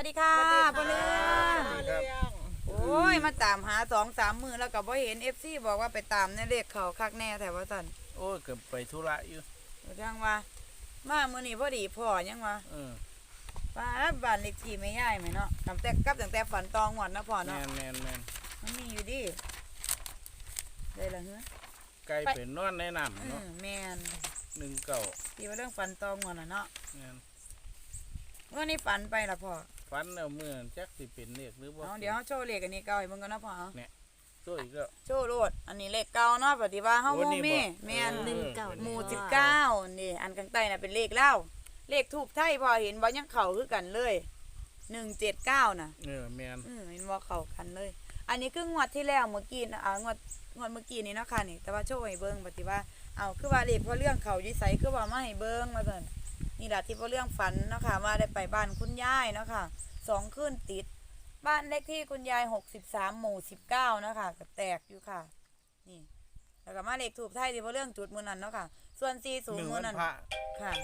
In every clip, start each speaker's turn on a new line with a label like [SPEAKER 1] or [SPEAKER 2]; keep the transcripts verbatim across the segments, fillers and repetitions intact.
[SPEAKER 1] วัสดีค่ะพ่อเรื่องโอ้ยมาตามหาสองสามมือแล้วก็บ่เห็นเอฟซีบอกว่าไปตามในเลขเขาคักแน่แต่ว่าสั่น
[SPEAKER 2] โอ้ยเกือบไปธุระอยู่
[SPEAKER 1] จังว่ามามื้อนี้พอดีพ่อยังว่า
[SPEAKER 2] เออ
[SPEAKER 1] บ้านบ้านเลขที่ไม่ย้ายไหมเนาะตั้งแต่กับตั้งแต่ฝันตองหวดนะพ่อเนาะ
[SPEAKER 2] แม่นแม่นแม่น
[SPEAKER 1] มันมีอยู่ดิได้ละเฮ้อ
[SPEAKER 2] ไก่เป็นนอนในน้ำเนาะ
[SPEAKER 1] แม่น
[SPEAKER 2] หนึ่งเก่า
[SPEAKER 1] ที่ว่าเรื่องฝันตองหวดน่ะเนาะ
[SPEAKER 2] แม่น
[SPEAKER 1] วันนี้ฝันไปละพ่อ
[SPEAKER 2] ฝันเอาเมื่อจักสิเป็นเลขหรือบ่
[SPEAKER 1] เอาเดี๋ยวเฮาโชว์เลขอันนี้เก่าให้เบิ่งกันนะพ่อ
[SPEAKER 2] เนี่ยโชว์อีกแล้ว
[SPEAKER 1] โชว์โลดอันนี้เลขเก่าเนาะปฏิว่าเฮาบ่มีแม่นหนึ่งเก้าหมู่สิบเก้านี่อันข้างใต้น่ะเป็นเลขเล่าเลขทูบไทยพอเห็นว่ายังเข้าคือกันเลยหนึ่งเจ็ดเก้าน่ะ
[SPEAKER 2] เออแม่น
[SPEAKER 1] อือเห็นว่าเข้ากันเลยอันนี้คืองวดที่แล้วเมื่อกี้นะอ่างวดงวดเมื่อกี้นี่เนาะค่ะนี่แต่ว่าโชว์ให้เบิ่งปฏิว่าเอาคือว่าเลขพอเรื่องเข้าอยู่ไสคือว่ามาให้เบิ่งว่าซั่นนี่ล่ะที่พอเรื่องฝันเนาะค่ะว่าได้ไปบ้านคุณยายเนาะค่ะสองคืนติดบ้านเลขที่คุณยายหกสิบสามหมู่สิบเก้านะคะก็แตกอยู่ค่ะนี่แล้วก็มาเลขถูกไทยที่พอเรื่องจุดมื้อนั้นเนาะค่ะส่วนสี่สิบมื้อนั้นค่ะ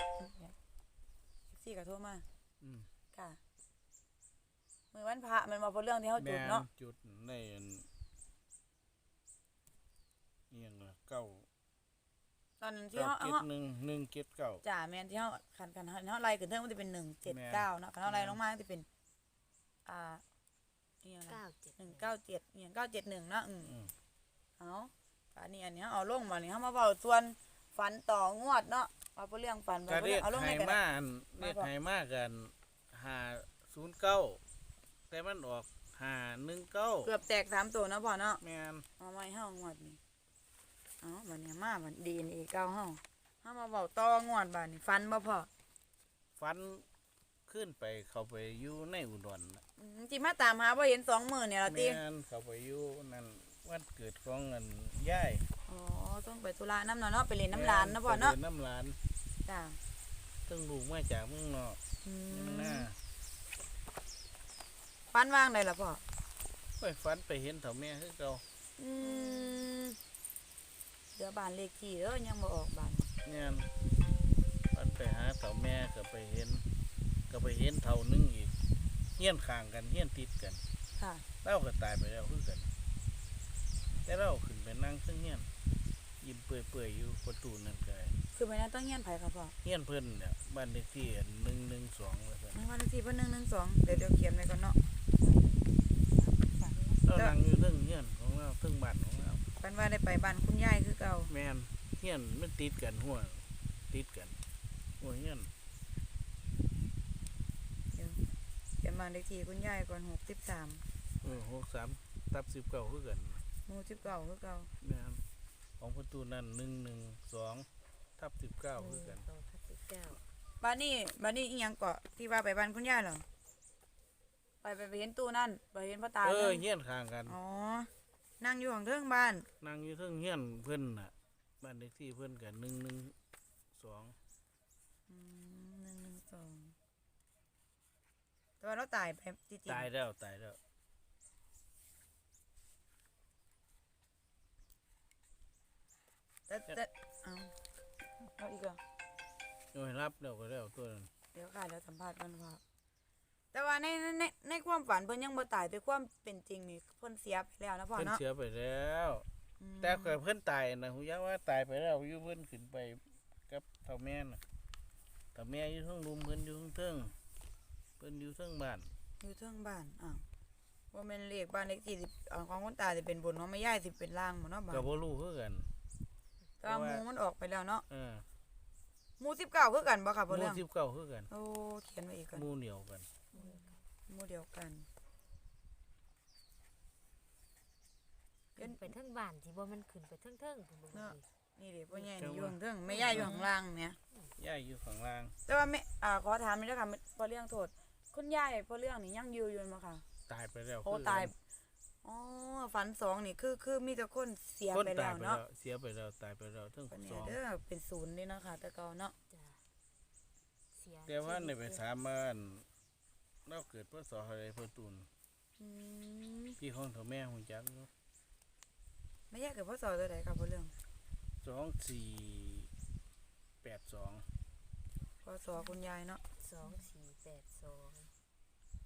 [SPEAKER 1] สี่ก็โทรมา
[SPEAKER 2] อืม
[SPEAKER 1] ค่ะมื้อวันพระมันมาพอเรื่องที่เฮาจุดเนาะ
[SPEAKER 2] จุดในเอียงล่ะเก้า
[SPEAKER 1] ตอนนั้นที่เฮา
[SPEAKER 2] เจ็ดหนึ่ง หนึ่งเจ็ดเก้า
[SPEAKER 1] จ้าแม่นที่เฮาคันคันเฮาไล่ขึ้นเทิงมันสิเป็นหนึ่งเจ็ดเก้าเนาะคันเฮาไล่ลงมามันสิเป็นอ่าอีหยังล่ะหนึ่งเก้าเจ็ดอีหยังเก้าเจ็ดหนึ่งเนาะอืมเอาอันนี้อันนี้เอาลงมานี่เฮามาเว้าส่วนฝันต่องวดเนาะว่าเรื่องฝัน
[SPEAKER 2] บ่เรื่องเอาลงให้มาเรียกให้มากันห้าศูนย์เก้าแต่มันออกห้าหนึ่งเก้า
[SPEAKER 1] เกือบแตกสามตัวเนาะพ่อเนาะ
[SPEAKER 2] แม่น
[SPEAKER 1] เอาไว้เฮางวดนี้เอาบัดนี้มาบัด ดี เอ็น เอ เก่าเฮาเฮามาเว้าต่องวดบัดนี้ฝันบ่พ่อ
[SPEAKER 2] ฝันขึ้นไปเข้าไปอยู่ในอุดร
[SPEAKER 1] อืมสิมาตามหาบ่เห็นสองมื้อเนี่ยล่ะติ
[SPEAKER 2] แม่นเข้าไปอยู่นั่นวันเกิดของเงินยาย
[SPEAKER 1] อ๋อต้องไปธุระนำเนาะเนาะไปเล่นน้ำหลานเนาะพ่อเนาะ
[SPEAKER 2] ไปเล่นน้ำหลาน
[SPEAKER 1] จ้า
[SPEAKER 2] ซึ่งลูกมาจากเมืองนอกอืมน่า
[SPEAKER 1] ฝันว่างได้ล่ะพ่อ
[SPEAKER 2] ไปฝันไปเห็นเฒ่าแม่คือเก่า
[SPEAKER 1] อืมเดี๋ยวบ้านเลขที่เด้อยังบ่ออกบ้าน
[SPEAKER 2] เนี่ยฝันไปหาเฒ่าแม่ก็ไปเห็นก็ไปเห็นเฒ่านึงอีกเฮี้ยนข้างกันเฮี้ยนติดกัน
[SPEAKER 1] ค่ะ
[SPEAKER 2] เราก็ตายไปแล้วคือกันแต่เราขึ้นไปนั่งซึ่งเฮี้ยนยิ้มเปื่อยๆอยู่ประตูนั่นก็
[SPEAKER 1] คือไปนั่นต้องเฮี้ยนไผครับพ่อ
[SPEAKER 2] เฮี้ยนเพิ่นเนี่ยบ้านเลขที่หนึ่งหนึ่งสองว่าซั่น
[SPEAKER 1] บ้านเลขที่เพิ่นหนึ่งหนึ่งสองเดี๋ยวเดี๋ยวเขียนไว้ก่อนเนาะ
[SPEAKER 2] เรานั่งอยู่เรื่องเฮี้ยนของเราเรื่องบ้านของเรา
[SPEAKER 1] ฝันว่าได้ไปบ้านคุณยายคือเก่า
[SPEAKER 2] แม่นเฮี้ยนมันติดกันหัวติดกันหัวเฮี้ยน
[SPEAKER 1] เดี๋ยวเขียนบ้านเลขที่คุณยายก่อนหกสิบสาม
[SPEAKER 2] เออหกสามทับสิบเก้าคือกัน
[SPEAKER 1] หมู่สิบเก้าคือเก่า
[SPEAKER 2] แม่นของประตูนั่นหนึ่งหนึ่งสองทับสิบเก้าคือกัน
[SPEAKER 1] ทับสิบเก้าบ้านนี้บ้านนี้อีหยังเกาะที่ว่าไปบ้านคุณยายเหรอไปไปไปเห็นตู้นั่นไปเห็นพ่อตา
[SPEAKER 2] เออเฮี้ยนข้างกัน
[SPEAKER 1] อ๋อนั่งอยู่ของเทิงบ้าน
[SPEAKER 2] นั่งอยู่เทิงเฮี้ยนเพิ่นน่ะบ้านเลขที่เพิ่นกันหนึ่งหนึ่งสอง
[SPEAKER 1] อืมหนึ่งหนึ่งสองแต่ว่าเราตายไปจริง
[SPEAKER 2] ตายแล้วตายแล้ว
[SPEAKER 1] แต่แต่เอาเอาอีกเหรอ
[SPEAKER 2] โอ้ยรับแล้วก็แล้วตัวนั้น
[SPEAKER 1] เดี๋ยวค่ะเดี๋ยวสัมภาษณ์กันพ่อแต่ว่าในในในความฝันเพิ่นยังบ่ตายแต่ความเป็นจริงนี่เพิ่นเสียไปแล้วนะพ่อเนาะ
[SPEAKER 2] เพิ่นเสียไปแล้วแต่ก็เพิ่นตายนะฮู้ยังว่าตายไปแล้วอยู่เพิ่นขึ้นไปกับเฒ่าแม่น่ะเฒ่าแม่อยู่เทิงรุมเพิ่นอยู่เทิงเพิ่นอยู่เทิงบ้าน
[SPEAKER 1] อยู่เทิงบ้านอ้าวว่าแม่นเลขบ้านเลขที่สิบของคนตายสิเป็นบนเนาะไม่ย้ายสิเป็นล่างบ่เนาะบ้าน
[SPEAKER 2] ก็บ่รู้คือกัน
[SPEAKER 1] แต่หมู่มันออกไปแล้วเนาะ
[SPEAKER 2] เออ
[SPEAKER 1] หมู่สิบเก้าคือกันบ่ครับบ่
[SPEAKER 2] เรื่อง
[SPEAKER 1] หมู่
[SPEAKER 2] สิบเก้าคือกัน
[SPEAKER 1] โอ้เขียนไว้อีกก่อน
[SPEAKER 2] หมู่เดียวกัน
[SPEAKER 1] หมู่เดียวกัน
[SPEAKER 3] ขึ้นไปเทิงบ้านที่บ่มันขึ้นไปเทิงๆพุ่นบ่
[SPEAKER 1] เนาะนี่ดิพ่อใหญ่นี่อยู่เทิงแม่ย่าอยู่ข้างล่างเนี่ย
[SPEAKER 2] ย่าอยู่ข้างล่าง
[SPEAKER 1] แต่ว่าแม่อ่าขอถามนิดนึงค่ะพอเรื่องโทษคุณยายพอเรื่องนี่ยังอยู่อยู่มั้ยค่ะ
[SPEAKER 2] ตายไปแล้ว
[SPEAKER 1] โอ้ตายอ๋อฝันสองนี่คือคือมีแต่คนเสียไปแล้วเนาะ
[SPEAKER 2] เสียไปแล้วตายไปแล้วทั้งสอง
[SPEAKER 1] เด้อเป็นศูนย์นี่นะคะแต่เก่าเนาะ
[SPEAKER 2] เสียแต่ว่าในไปถามมันเราเกิดพศอะไรเพิ่นตูนพี่ของเฒ่าแม่ฮู้จักเนาะ
[SPEAKER 1] ไม่แยกกับพศตัวใดครับพอเรื่อง
[SPEAKER 2] สองสี่แปดสอง
[SPEAKER 1] พศคุณยายเนาะ
[SPEAKER 3] สองสี่แปดสอง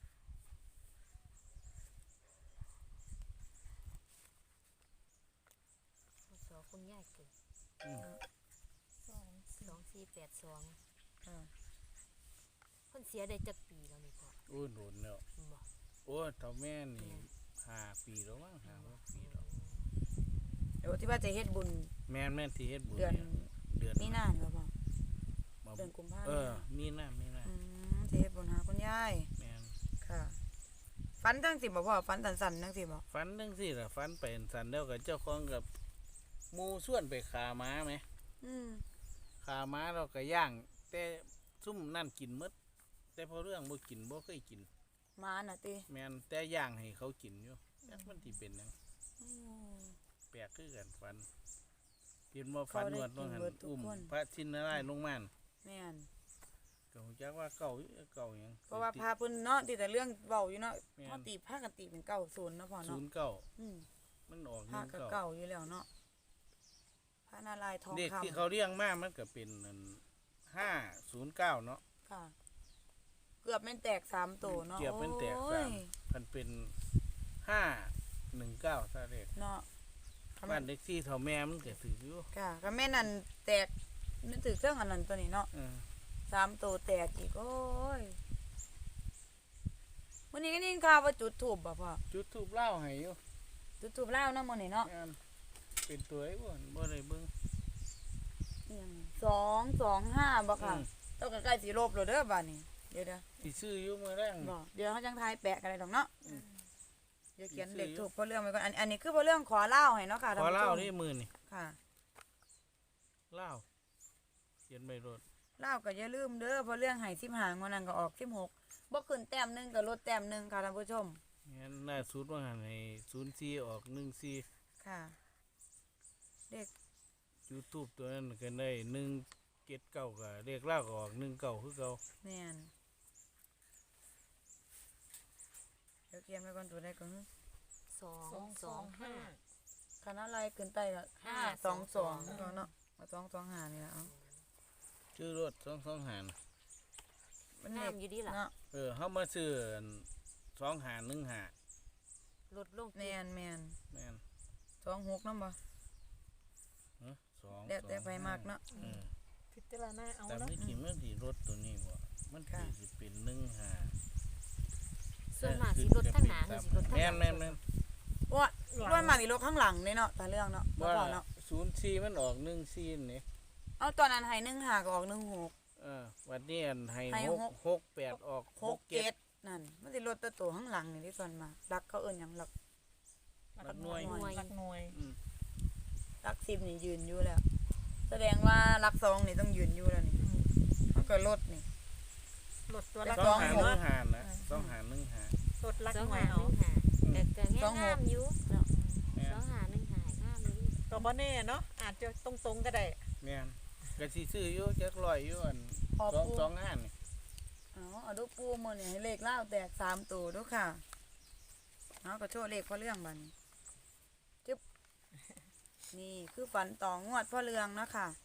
[SPEAKER 3] ายเกิด
[SPEAKER 2] อืม
[SPEAKER 3] สองสี่แปดสอง
[SPEAKER 1] ค่ะ
[SPEAKER 3] เพิ่นเสียได้จักปีแล้วนี่พ่อ
[SPEAKER 2] โอ้ยโดนแล้ว
[SPEAKER 3] บ่
[SPEAKER 2] โอ้ยเท่าแม่นี่ห้าปีแล้วมั้งห้าหกปีแล้ว
[SPEAKER 1] เดี๋ยวที่ว่าจะเฮ็ดบุญ
[SPEAKER 2] แม่นแม่นที่เฮ็ดบุญ
[SPEAKER 1] เดือน
[SPEAKER 2] เนี่ยเดือน
[SPEAKER 1] มีนาเหรอพ่อ
[SPEAKER 2] มา
[SPEAKER 1] เดือนกุมภาพันธ์
[SPEAKER 2] เออมีหน้ามีหน้า
[SPEAKER 1] อืมจะเฮ็ดบุญหาคุณยาย
[SPEAKER 2] แม่น
[SPEAKER 1] ค่ะฝันจังสิบ่พ่อฝันสั่นๆจังสิบ่
[SPEAKER 2] ฝันจังซี่ล่ะฝันไปสันแล้วกับเจ้าของกับหมู่ส่วนไปขาม้าไหม
[SPEAKER 1] อืม
[SPEAKER 2] ขาม้าเราก็ย่าง แต่ซุ่มนั่นกินหมดแต่พอเรื่องบ่กินบ่เคยกิน
[SPEAKER 1] มาน่ะติ
[SPEAKER 2] แม่นแต่ย่างให้เขากินอยู่จักมันสิเป็นหยัง
[SPEAKER 1] โอ้
[SPEAKER 2] แปลกคือกันฝันเห็นว่าฝันนวดลงหันอุ้มพระชินนารายณ์ลงมาน่ะ
[SPEAKER 1] แม่น
[SPEAKER 2] ก็ฮู้จักว่าเก่าอยู่เก่าหยัง
[SPEAKER 1] เพราะว่าพาเพิ่นเนาะที่แต่เรื่องเว้าอยู่เนาะ
[SPEAKER 2] แม่น
[SPEAKER 1] เฮาตีพากันตีเป็นเก้าศูนย์เนาะพ่อ
[SPEAKER 2] ศู
[SPEAKER 1] เนาะ
[SPEAKER 2] นย์เก้า
[SPEAKER 1] อืม
[SPEAKER 2] มันออกห
[SPEAKER 1] พา
[SPEAKER 2] นึ่ง
[SPEAKER 1] ก็
[SPEAKER 2] เก้า
[SPEAKER 1] เก่าอยู่แล้วเนาะพระนารายณ์ทอง
[SPEAKER 2] เด็ก
[SPEAKER 1] คำ
[SPEAKER 2] ที่เขาเรียงมามันก็เป็นอันห้าศูนย์เก้าเนาะ
[SPEAKER 1] ค่ะ เกือบแม่นแตกสามตัวเนาะ
[SPEAKER 2] เกือบแม่นแตก
[SPEAKER 1] โอ้
[SPEAKER 2] สาย ม มันเป็นห้าหนึ่งเก้าซะเด็ก
[SPEAKER 1] เนาะ
[SPEAKER 2] บ้านเด็กที่เท่าแม่มันก็ถืออยู่
[SPEAKER 1] ค่ะก็แม่นั่นแตกนึกถึงเรื่องอันนั้นตัวนี้เนาะ
[SPEAKER 2] เออ
[SPEAKER 1] สามตัวแตกอีกโอ้ยวันนี้ก็นี่ข่าวว่าจุดถูบบ่พ่อ
[SPEAKER 2] จุดทูบเล่าให้อยู่
[SPEAKER 1] จุดถูบเล่าวเนาะมื้อนี้เนาะ
[SPEAKER 2] งานเป็นตัวไอ้บ่บ่ได้เบิ่ง
[SPEAKER 1] อิหยังสองสองห้าบ่ค่ะ
[SPEAKER 2] อืม
[SPEAKER 1] ต้องใกล้ๆสิลบแล้วเด้อบัดนี้เดี๋ยวเดี๋ยว
[SPEAKER 2] สิซื้ออยู่มื้อแรง
[SPEAKER 1] บ่เดี๋ยวเขาจังทายแปะกันเลยดอกเนาะ
[SPEAKER 2] อืม
[SPEAKER 1] เดี๋ยวเขียน
[SPEAKER 2] สิซื้อ
[SPEAKER 1] เด็ก
[SPEAKER 2] อยู่
[SPEAKER 1] ถูกเพราะเรื่องไปก่อนอันอันนี้คือเพราะเรื่องขอเล่าวให้เนาะค่ะ
[SPEAKER 2] ขอเล่า
[SPEAKER 1] ท่นผู้ชม
[SPEAKER 2] นี่มื้อนี่
[SPEAKER 1] ค่ะ
[SPEAKER 2] เล่าเขียนใบรถ
[SPEAKER 1] เล่าวก็อย่าลืมเด้อเพราะเรื่องให้สิบห้างวดนั้นก็ออกสิบหกบ่ขึ้นแต้มหนึงก็ลดแต้มหนึงค่ะท่านผู้ชม
[SPEAKER 2] งั้นล่าสุดว่าหันให้ศูนย์สี่ออกหนึ่งสี่
[SPEAKER 1] ค่ะเด็ก
[SPEAKER 2] YouTube ตัวนั้นก็ได้หนึ่งเจ็ดเก้าก็เลขเล่าก็ออกหนึ่งเก้าคือเก่า
[SPEAKER 1] แม่นเดี๋ยวเขียนไปก่อนตัวใดก่อน
[SPEAKER 3] สองสองห้า
[SPEAKER 1] คณะอะไรขึ้นใต้ละ
[SPEAKER 3] ห้า
[SPEAKER 1] ห้าสองสอง
[SPEAKER 3] สองสอง
[SPEAKER 1] เนาะเอาสองสองหานี่ละเอา
[SPEAKER 2] ชื่อรถสองสองหาร
[SPEAKER 1] มัน
[SPEAKER 3] งา
[SPEAKER 1] เด็
[SPEAKER 3] ม
[SPEAKER 1] ก
[SPEAKER 3] อยู่ดีล่ะ
[SPEAKER 1] เนาะ
[SPEAKER 2] เออเฮามาซื้ออันสองหารหนึ่งหา
[SPEAKER 3] ลดลง
[SPEAKER 1] แม่นแม่น
[SPEAKER 2] แม่น
[SPEAKER 1] สองหกนำบ่
[SPEAKER 2] เอ้อสอง
[SPEAKER 1] แล้วแต่
[SPEAKER 2] สอง
[SPEAKER 1] ไปมากเนาะ
[SPEAKER 2] เออ
[SPEAKER 4] พิจารณาเอา
[SPEAKER 2] แต่
[SPEAKER 4] เนาะ
[SPEAKER 2] ไม่กี่มันสีรถตัวนี้บ่มัน
[SPEAKER 1] ค่ะ
[SPEAKER 2] สิสิเป็นหนึ่งหา
[SPEAKER 3] ส่วนมากสิลดทั้งหน้าคือสิลดทั้งห
[SPEAKER 2] แม่
[SPEAKER 3] ลั
[SPEAKER 2] น
[SPEAKER 3] ง
[SPEAKER 2] แม่นแม่น
[SPEAKER 1] ว่าว่ามานี่รถข้างหลังนี่เนาะตาเรื่องเนาะบ่
[SPEAKER 2] ว่า
[SPEAKER 1] พอเนาะ
[SPEAKER 2] ศูนย์สี่มันออกหนึ่งสี่นี่
[SPEAKER 1] เอาตอนนั้นให้หนึ่งหาก็ออกหนึ่งหก
[SPEAKER 2] เออวันนี้อันให้
[SPEAKER 1] ให้
[SPEAKER 2] หก
[SPEAKER 1] หก
[SPEAKER 2] หกแปดออก
[SPEAKER 1] หกเจ็ดนั่นมันสิรถตัวโตข้างหลังนี่ที่ส่วนมารักเขาเอิ้นหยังรัก
[SPEAKER 4] หลักหน่วย
[SPEAKER 1] หน่วย
[SPEAKER 4] หลักหน่วย
[SPEAKER 2] อืม
[SPEAKER 1] รักสิบนี่ยืนอยู่แล้ว แสดงว่ารักสองนี่ต้องยืนอยู่แล้วนี่มันก็รถนี่
[SPEAKER 4] ลดตัว
[SPEAKER 1] แล้
[SPEAKER 4] ลั
[SPEAKER 1] ว
[SPEAKER 4] ก
[SPEAKER 2] ส
[SPEAKER 4] ห
[SPEAKER 2] อง
[SPEAKER 4] น่วย
[SPEAKER 2] หารหนึ่ง
[SPEAKER 4] เนาะ
[SPEAKER 2] หารนะสองหารหนึ่งหาร
[SPEAKER 4] ลดลัก
[SPEAKER 3] สอง
[SPEAKER 4] หน่ว
[SPEAKER 3] หาย ห
[SPEAKER 4] เอา
[SPEAKER 3] นึ่งหาแต่ก็
[SPEAKER 1] สองหก
[SPEAKER 3] งามอยู่เนาะ
[SPEAKER 2] แม่
[SPEAKER 3] สอน งหาหนึ่งหางามอยู่
[SPEAKER 4] ก็บ่แน่เนาะอาจจะตรงๆก็ได้
[SPEAKER 2] แม่นก็สิซื้ออยู่จักร้อยอยู่อัน
[SPEAKER 1] พอ
[SPEAKER 2] สอง
[SPEAKER 1] ปู
[SPEAKER 2] สองห้านี่
[SPEAKER 1] เอาเอาดูปูมื้อนี่ให้เลขเล่าวแตกสามตัวดูค่ะเอาก็โชว์เลขพ่อเรื่องบัดนี้จึ๊บนี่คือฝันต่องวดพ่อเรืองเนาะค่ะ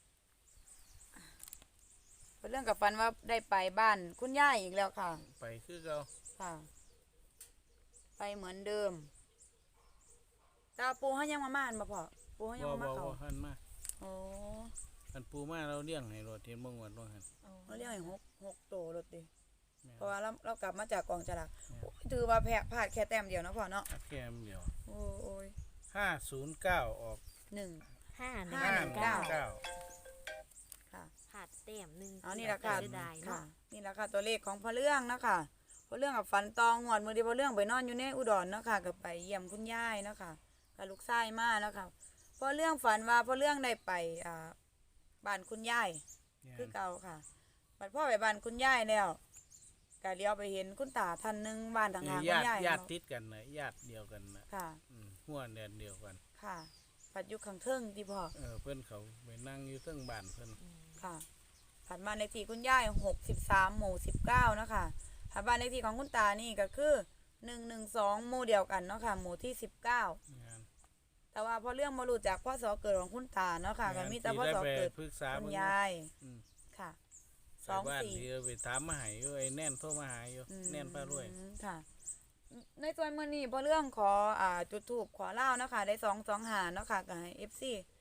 [SPEAKER 1] พ่อเรื่องกับฝันว่าได้ไปบ้านคุณย่ายอีกแล้วค่ะ
[SPEAKER 2] ไปคือเก่า
[SPEAKER 1] ค่ะ ไปเหมือนเดิมแตาปูเขายังมาม่านบ่พอปูเขายัง
[SPEAKER 2] บ่
[SPEAKER 1] มา
[SPEAKER 2] บ่
[SPEAKER 1] มาเขา
[SPEAKER 2] บ่หันมา
[SPEAKER 1] โอ้
[SPEAKER 2] อันปูมาเราเลี้ยงให้รถเห็นบ่งวดบ่หัน
[SPEAKER 1] เราเรียกให้หกหกโตรถดิ
[SPEAKER 2] แม่น
[SPEAKER 1] เพราะว่าเราเรากลับมาจากกองจรา
[SPEAKER 2] แม่น
[SPEAKER 1] โอ้ยถือว่าแพ้พลาดแค่แต้มเดียวเนาะพ่อเนาะ
[SPEAKER 2] อัดแค่มเดียว
[SPEAKER 1] โอ้โอ้ย
[SPEAKER 2] ห้าศูนย์เก้าออก
[SPEAKER 1] หนึ่ง
[SPEAKER 3] ห้าหนึ่ง
[SPEAKER 1] ห้า
[SPEAKER 2] ห้า
[SPEAKER 1] หนึ่ง
[SPEAKER 2] เก้า
[SPEAKER 1] เก้า
[SPEAKER 2] เก้า
[SPEAKER 1] ค่ะ
[SPEAKER 3] ขาดแต้มหนึ่ง
[SPEAKER 1] เอานี่แหละค่ะ
[SPEAKER 3] เสียดาย
[SPEAKER 1] ค่ะ
[SPEAKER 3] เนาะ
[SPEAKER 1] นี่แหละค่ะตัวเลขของพ่อเรื่องเนาะค่ะพ่อเรื่องกับฝันตองงวดมือเดียวพ่อเรื่องไปนอนอยู่ในอุดรเนาะค่ะกับไปเยี่ยมคุณยายเนาะค่ะกับลูกชายมาเนาะค่ะพ่อเรื่องฝันว่าพ่อเรื่องได้ไปอ่าบ้านคุณยาย คือเก่าค่ะบัดพ่อไปบ้านคุณยายแล้วก็เลี้ยวไปเห็นคุณตาท่านหนึงบ้านทาง
[SPEAKER 2] เอ
[SPEAKER 1] หา
[SPEAKER 2] อ
[SPEAKER 1] คุณ
[SPEAKER 2] ญาติ
[SPEAKER 1] ยาย
[SPEAKER 2] ญาติ
[SPEAKER 1] เนาะ
[SPEAKER 2] ติดกันนะญาติเดียวกันนะ
[SPEAKER 1] ค่ะ
[SPEAKER 2] อืมหัวแดนเดียวกัน
[SPEAKER 1] ค่ะผัดอยู่ข้างเทิงที่พ่อ
[SPEAKER 2] เออเพิ่นเขาไปนั่งอยู่เทิงบ้านเพิ่น
[SPEAKER 1] ค่ะผัดบ้านเลขที่คุณยายหกสิบสามหมู่สิบเก้าเนาะค่ะผัดบ้านเลขที่ของคุณตานี่ก็คือหนึ่งหนึ่งสองหมู่เดียวกันเนาะค่ะหมู่ที่สิบเก้าง
[SPEAKER 2] าน
[SPEAKER 1] แต่ว่าพอเรื่องมารู้จากพ่อสอเกิดของคุณตาเนาะค่ะก็มีแต่พ่อสอเกิด
[SPEAKER 2] ปรึกษา
[SPEAKER 1] คุณ
[SPEAKER 2] เพิ่น
[SPEAKER 1] ยาย
[SPEAKER 2] อืม
[SPEAKER 1] ค่ะ
[SPEAKER 2] สองบ้านที่ไปถามมาให้อยู่ไอ้แน่นโทรมาหาอยู่
[SPEAKER 1] อืม
[SPEAKER 2] แน่นพารวย
[SPEAKER 1] ค่ะ ในส่วนมื้อนี้พอเรื่องขออ่าจุดทูบขอเล่านะคะได้สองสองหาเนาะค่ะกับเอฟซี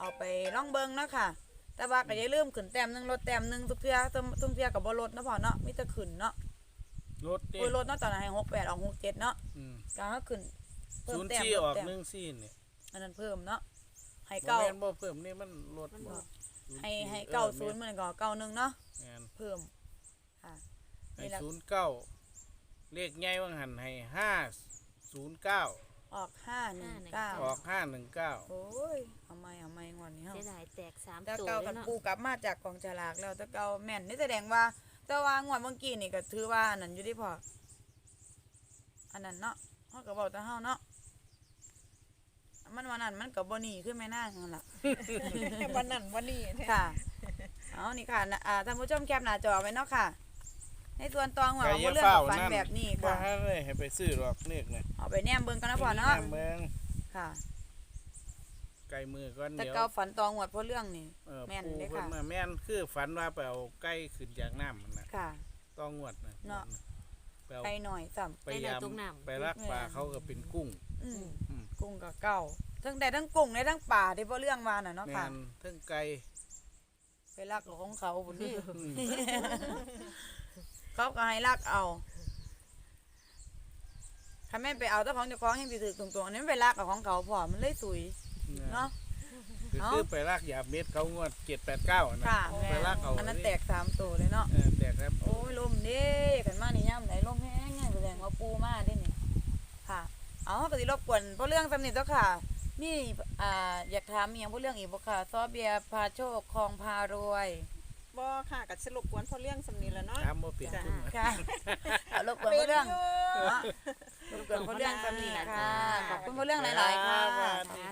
[SPEAKER 1] เอาไปล่องเบิงเนาะค่ะ แต่ว่าก็อย่าลืมขึ้นแต้มหนึงลดแต้มหนึงทุกเทื่อทุกทุกเทื่อก็บ่ลดเนาะพ่อเนาะมีแต่ขึ้นเนาะ
[SPEAKER 2] รถเด้
[SPEAKER 1] โอ้ยลดเนาะตอนนั้นให้หกแปดออกหกเจ็ดเนาะ
[SPEAKER 2] อืม
[SPEAKER 1] ก็ให้ขึ้นเพิ่ม
[SPEAKER 2] ศูนย์
[SPEAKER 1] แต้ม
[SPEAKER 2] สี่
[SPEAKER 1] ล
[SPEAKER 2] อ
[SPEAKER 1] ด
[SPEAKER 2] อก
[SPEAKER 1] แต้ม
[SPEAKER 2] หนึ่งสี่นี่
[SPEAKER 1] อันนั้นเพิ่มเนาะให้
[SPEAKER 2] บ่
[SPEAKER 1] เก้า
[SPEAKER 2] แม่นบ่เพิ่มนี่มันลดบ่
[SPEAKER 1] ให้ให้เก้าศูนย์มันก็เก้าหนึ่งเนาะ
[SPEAKER 2] แม่น
[SPEAKER 1] เพิ่มค่ะ
[SPEAKER 2] ให้
[SPEAKER 1] นี่ละ
[SPEAKER 2] ศูนย์เก้าเลขใหญ่ว่างหันให้ห้าศูนย์เก้า
[SPEAKER 1] ออกห้าหนึ่งเก้า
[SPEAKER 2] ออกห้าหนึ่งเก้า
[SPEAKER 1] โอ้ยเอาไม่เอาไม่งอนนี้เฮา
[SPEAKER 3] เสียดายแตกสาม
[SPEAKER 1] แต่
[SPEAKER 3] ตัว
[SPEAKER 1] เก่า
[SPEAKER 3] เล
[SPEAKER 1] กั
[SPEAKER 3] ย
[SPEAKER 1] น
[SPEAKER 3] เนาะ
[SPEAKER 1] ปูกลับมาจากกองฉลากแล้วแต่เก่าแม่นนี่แสดงว่าแต่ว่างวดเมื่อกี้นี่ก็ถือว่าอันนั้นอยู่ที่พออันนั้นเนาะเฮาก็บอกแต่เฮาเนาะมันวันนั้นมันก็บ่หนีขึ้นไม่น่านั่นล่ะ
[SPEAKER 4] วันนั้นวันนี้แท้
[SPEAKER 1] ค่ะ เอานี่ค่ะนะอ่าท่านผู้ชมแคปหน้าจอไว้เนาะค่ะ ในส่วนตองหัวของเรื่องของฝันแบบนี้
[SPEAKER 2] บ่
[SPEAKER 1] ค่ะ
[SPEAKER 2] ให้เลยให้ไปซื้อหรอกเลขเนี่ย
[SPEAKER 1] เอาไปแนมเบิ่งกันนะพ่อเนาะ
[SPEAKER 2] แม่เมือง
[SPEAKER 1] ค่ะ
[SPEAKER 2] ไก่มือก่อน
[SPEAKER 1] แต่
[SPEAKER 2] เดี๋ยว
[SPEAKER 1] เก่าฝันตองหัวเพราะเรื่องนี่
[SPEAKER 2] เออ
[SPEAKER 1] แม่น
[SPEAKER 2] ปู
[SPEAKER 1] เลย
[SPEAKER 2] เพิ่น
[SPEAKER 1] ค่ะ
[SPEAKER 2] มาแม่นคือฝันว่าไปเอาไก่ขึ้นจากน้ำมันน่ะ
[SPEAKER 1] ค่ะ
[SPEAKER 2] ต้องงวดน่ะ
[SPEAKER 1] เนาะ
[SPEAKER 2] ไปเอา
[SPEAKER 1] ไปหน่อยซ้ำ
[SPEAKER 2] ไปยามไปรักปลาเขาก็เป็นกุ้ง
[SPEAKER 1] อืม
[SPEAKER 2] อืม
[SPEAKER 1] กุ้งกับเก่าทั้งแต่ทั้งกุ้งในทั้งป่าที่เพราะเรื่องมาน่ะเนาะ
[SPEAKER 2] แม่
[SPEAKER 1] ค่ะ
[SPEAKER 2] นเทั้งไก่
[SPEAKER 1] ไปลักเอาของเขาบุญนี่
[SPEAKER 2] อืม
[SPEAKER 1] เขาก็ให้ลักเอาถ้าแม่นไปเอาเจ้าของเจ้าของให้ไปถือตรงๆอันนี้มันไปลักเอาของเขาพอมันเลยสุยเนาะ
[SPEAKER 2] คือ
[SPEAKER 1] เอ้า
[SPEAKER 2] คือไปรักยาเม็ดเขางวดเจ็ดแปดเก้านะ
[SPEAKER 1] ค่ะ
[SPEAKER 2] ไปรักเอา
[SPEAKER 1] อันนั้นแตกสามตัวเลยเนาะ
[SPEAKER 2] เออแตกครับ
[SPEAKER 1] โอ้ยลมเด้กันมานี่ย่ำไหนลมแห้งไงแสดงว่าปูมาได้นี่ค่ะ เอาก็สิรบกวนเพราะเรื่องสำนิทเจ้าค่ะมีอ่าอยากถามมีอย่างเพราะเรื่องอีกบ่ค่ะซอเบียร์พาโชคคลองพารวย
[SPEAKER 4] บ่ค่ะก็สรุปกวนเพราะเรื่องสำนีแล้วเนาะ
[SPEAKER 2] ถามบ่เปลี่ยนทุน
[SPEAKER 1] ค่ะเอารบกวนเพราะเรื่องเนาะรบกวนเพราะเรื่องสำนิทค่ะขอบคุณเพราะเรื่องหลายๆค่ะ
[SPEAKER 2] สวัสดี